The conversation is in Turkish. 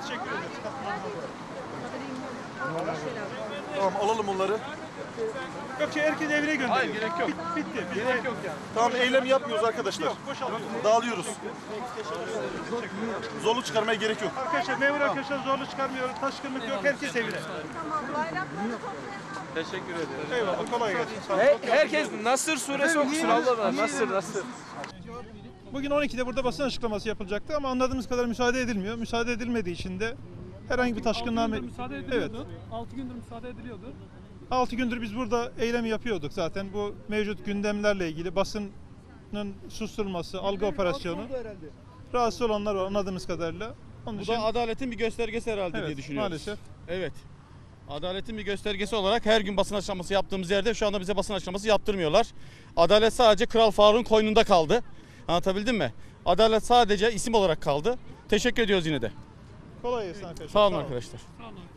Teşekkür ederiz. Tamam, alalım onları. Yok herkes evine gönderiyor. Hayır, gerek yok. Bitti. Gerek yok yani. Tamam, eylem yapmıyoruz arkadaşlar. Yok, boşaltıyoruz. Dağılıyoruz. Zorluk çıkarmaya gerek yok. Arkadaşlar, memur arkadaşlar zorluk çıkarmıyoruz. Taşkınlık yok. Herkes evine. Teşekkür ederim. Eyvallah. Kolay gelsin. Sağ olun. Herkes Nasır suresi okusun Allah'ım. Nasır. Bugün 12'de burada basın açıklaması yapılacaktı ama anladığımız kadar müsaade edilmiyor. Müsaade edilmediği için de herhangi bir taşkınlığa... Müsaade ediliyordu. 6 gündür müsaade ediliyordu. 6 gündür biz burada eylem yapıyorduk zaten. Bu mevcut gündemlerle ilgili basının susturulması, algı operasyonu. Rahatsız olanlar var anladığımız kadarıyla. Onun Bu için, da adaletin bir göstergesi herhalde evet, diye düşünüyoruz. maalesef. Evet. Adaletin bir göstergesi olarak her gün basın açıklaması yaptığımız yerde şu anda bize basın açıklaması yaptırmıyorlar. Adalet sadece Kral Faruk'un koynunda kaldı. Anlatabildim mi? Adalet sadece isim olarak kaldı. Teşekkür ediyoruz yine de. Kolay gelsin arkadaşlar. Sağ olun arkadaşlar. Sağ olun.